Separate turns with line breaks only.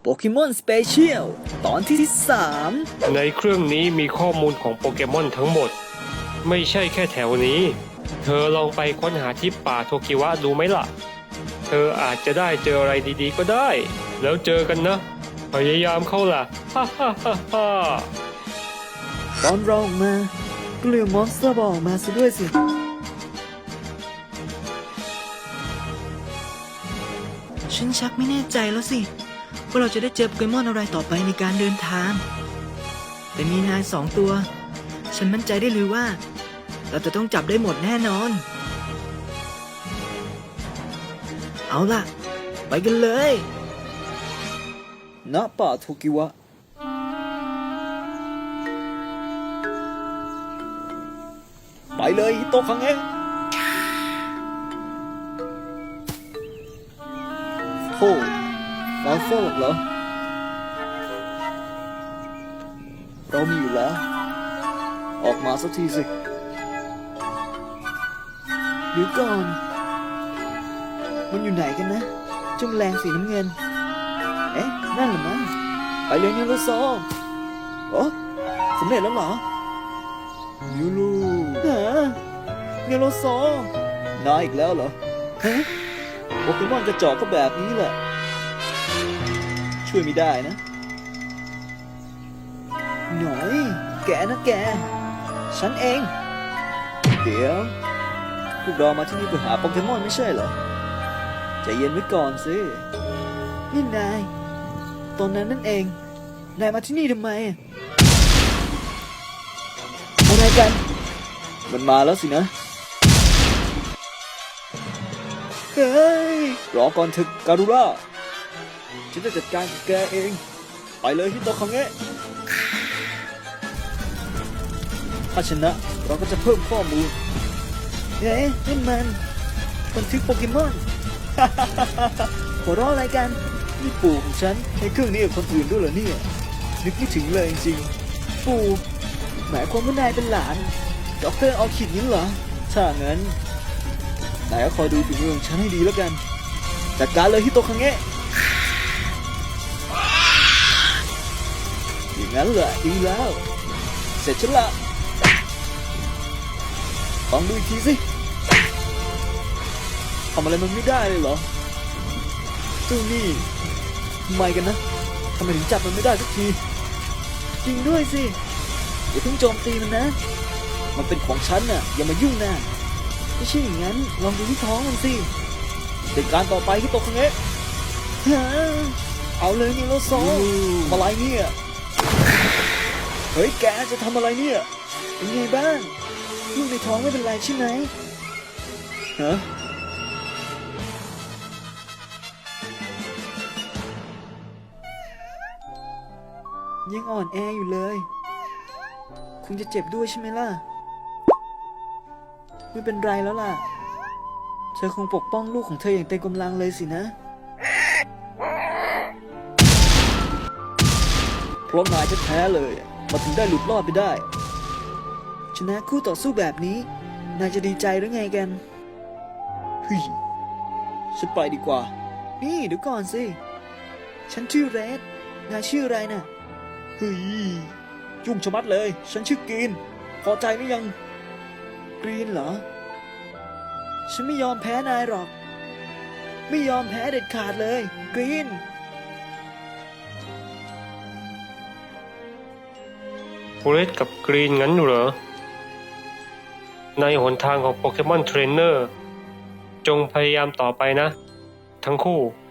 เกมอนสเปเชียลตอนที่ 3
ในเครื่องนี้มีข้อมูลของโปเกมอนทั้งหมดไม่ใช่แค่แถวนี้เธอลองไปค้นหาที่ป่าโทคิวะดูไหมล่ะเธออาจจะได้เจออะไรดีๆก็ได้แล้วเจอกันนะพยายามเข้าล่ะฮ่าฮ่าฮ่าฮ่า
ตอนเราออกมาก็เลืมมอนสเตอร์บอลออกมาซะด้วยสิฉันชักไม่แน่ใจแล้วสิว่าเราจะได้เจอโปเกมอนอะไรต่อไปในการเดินทางแต่มีนาย2 ตัวฉันมั่นใจได้เลยว่าเราจะต้องจับได้หมดแน่นอนเอาล่ะไปกันเลยณป่าโทกิวะไปเลยฮิโตะคังเอะโธ่เราโฟกเหรอเรามีอยู่แล้วออกมาสักทีสิเดี๋ยวก่อนมันอยู่ไหนกันนะเจ้าแมลงสีน้ำเงินเอ๊ะนั่นเหรอมั้งไปเลยนิโรโซโอ้สำเร็จแล้วเหรอนิโรนิโรโซนายอีกแล้วเหรอฮะโปเกมอนกระจอกก็แบบนี้แหละช่วยไม่ได้นะหน่อยแกนะแกฉันเองเดี๋ยวพวกเรามาที่นี่เพื่อหาโปเกมอนไม่ใช่เหรอใจเย็นไว้ก่อนสินี่นายตอนนั้นนั่นเองนายมาที่นี่ทำไมอะไรกันมันมาแล้วสินะเฮ้ยรอก่อนเถอะการุร่าฉันจะจัดการกับแกเองไปเลยฮิโตะคังเงะถ้าชนะเราก็จะเพิ่มข้อมูลเอ๊ะนั่นมันบันทึกโปเกมอน หัวเราะอะไรกันนี่ปู่ของฉันใช้เครื่องนี้กับคนอื่นด้วยเหรอเนี่ยนึกไม่ถึงเลยจริงๆปู่หมายความว่านายเป็นหลานดร.ออคิดงั้นเหรอถ้างั้นนายก็คอยดูฝีมือของฉันให้ดีแล้วกันจัดการเลยฮิโตะคังเงะอย่างนั้นเหรอดีแล้วเสร็จฉันละลองดูอีกทีสิทำอะไรมันไม่ได้เลยเหรอเจ้านี่ทำไมกันนะทำไมถึงจับมันไม่ได้สักทีจริงด้วยสิอย่าเพิ่งโจมตีมันนะมันเป็นของฉันน่ะอย่ามายุ่งนะไม่ใช่อย่างนั้นลองดูที่ท้องมันสิเป็นการต่อไปที่โตคังเงะเอาเลยนี่โลโซทำอะไรเนี่ยเฮ้ยแกจะทำอะไรเนี่ยเป็นไงบ้างลูกในท้องไม่เป็นไรใช่ไหมฮะยังอ่อนแออยู่เลยคุณจะเจ็บด้วยใช่ไหมล่ะไม่เป็นไรแล้วล่ะเธอคงปกป้องลูกของเธออย่างเต็มกำลังเลยสินะเพราะนายแท้ๆเลยมาถึงได้หลุดรอดไปได้ชนะคู่ต่อสู้แบบนี้นายจะดีใจหรือไงกันเฮ้ยฉันไปดีกว่านี่เดี๋ยวก่อนสิฉันชื่อเรดนายชื่ออะไรน่ะเฮ้ยยุ่งชะมัดเลยฉันชื่อกรีนพอใจหรือยังกรีนเหรอฉันไม่ยอมแพ้นายหรอกไม่ยอมแพ้เด็ดขาดเลยกรีน
โอเรสกับกรีนงั้นเหรอในหนทางของโปเกมอนเทรนเนอร์จงพยายามต่อไปนะทั้งคู่